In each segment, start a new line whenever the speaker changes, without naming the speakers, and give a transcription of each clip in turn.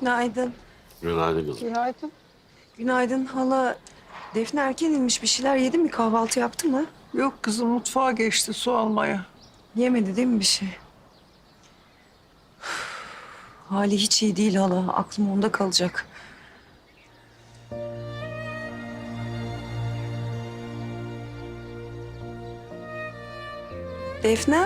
Günaydın.
Günaydın kızım.
Günaydın.
Günaydın hala. Defne erken inmiş. Bir şeyler yedi mi? Kahvaltı yaptı mı?
Yok kızım mutfağa geçti su almaya.
Yemedi değil mi bir şey? Hali hiç iyi değil hala. Aklım onda kalacak. Defne?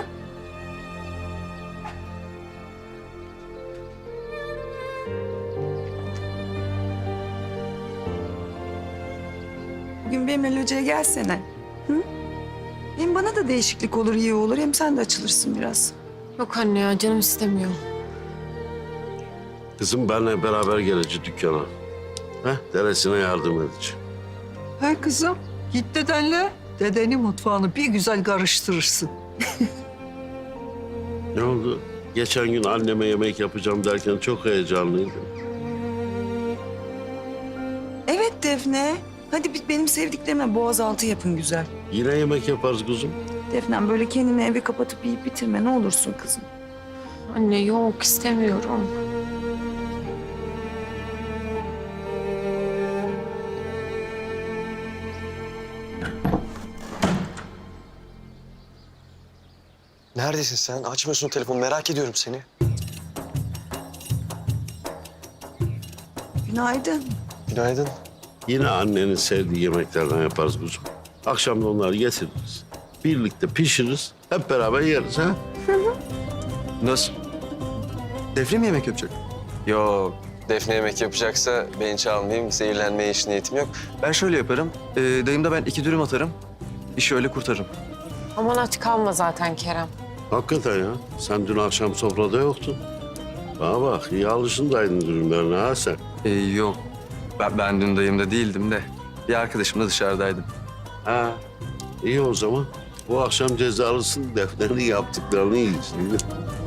Bugün benimle locaya gelsene. Hı? Hem bana da değişiklik olur, iyi olur. Hem sen de açılırsın biraz.
Yok anne ya, canım istemiyor.
Kızım benle beraber geleceğiz dükkana. Deresine yardım edeceğim.
He kızım git dedenle. Dedenin mutfağını bir güzel karıştırırsın.
Ne oldu? Geçen gün anneme yemek yapacağım derken çok heyecanlıydım.
Evet Defne. Hadi benim sevdiklerime boğazaltı yapın güzel.
Yine yemek yaparız kuzum.
Defnem böyle kendini eve kapatıp yiyip bitirme ne olursun kızım.
Anne yok, istemiyorum.
Neredesin sen? Açmıyorsun telefonu. Merak ediyorum seni.
Günaydın.
Günaydın.
Yine annenin sevdiği yemeklerden yaparız kuzum. Akşam da onları getiririz. Birlikte pişiririz. Hep beraber yeriz ha.
Nasıl? Defne mi yemek yapacak? Yok. Defne yemek yapacaksa beni çalmayayım. Zehirlenmeye hiç niyetim yok. Ben şöyle yaparım. Dayımda ben 2 dürüm atarım. İşi öyle kurtarırım.
Aman aç kalma zaten Kerem.
Hakikaten ya. Sen dün akşam sofrada yoktun. Bana bak iyi alışındaydın dürümlerine ha sen.
Yok. Ben dün dayımda değildim de. Bir arkadaşımla dışarıdaydım.
Ha iyi o zaman. Bu akşam cezalısın Defne'nin yaptıklarını yiyeceksin.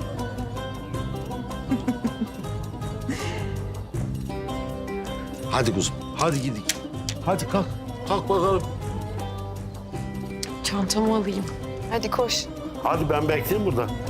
Hadi kuzum, hadi gidelim. Hadi kalk, kalk bakalım.
Çantamı alayım. Hadi koş.
Hadi ben bekleyeyim burada.